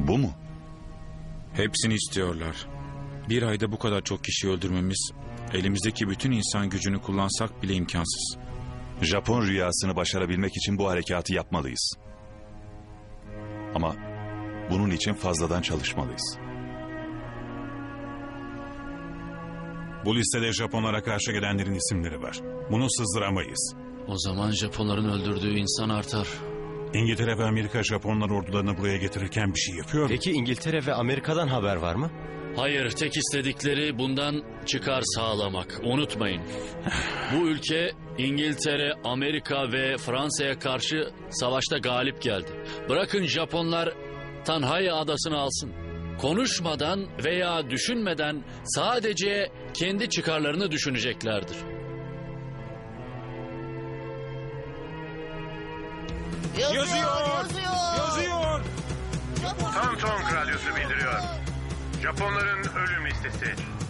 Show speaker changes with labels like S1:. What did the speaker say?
S1: Bu mu?
S2: Hepsini istiyorlar. Bir ayda bu kadar çok kişi öldürmemiz, elimizdeki bütün insan gücünü kullansak bile imkansız.
S1: Japon rüyasını başarabilmek için bu harekatı yapmalıyız. Ama bunun için fazladan çalışmalıyız.
S3: Bu listede Japonlara karşı gelenlerin isimleri var. Bunu sızdıramayız.
S4: O zaman Japonların öldürdüğü insan artar.
S3: İngiltere ve Amerika Japonlar ordularını buraya getirirken bir şey yapıyor mu?
S5: Peki İngiltere ve Amerika'dan haber var mı?
S4: Hayır, tek istedikleri bundan çıkar sağlamak. Unutmayın. Bu ülke İngiltere, Amerika ve Fransa'ya karşı savaşta galip geldi. Bırakın Japonlar Tanhai adasını alsın. Konuşmadan veya düşünmeden sadece kendi çıkarlarını düşüneceklerdir.
S6: Yazıyor. Tam Radyosu bildiriyor. Japonların ölüm listesi.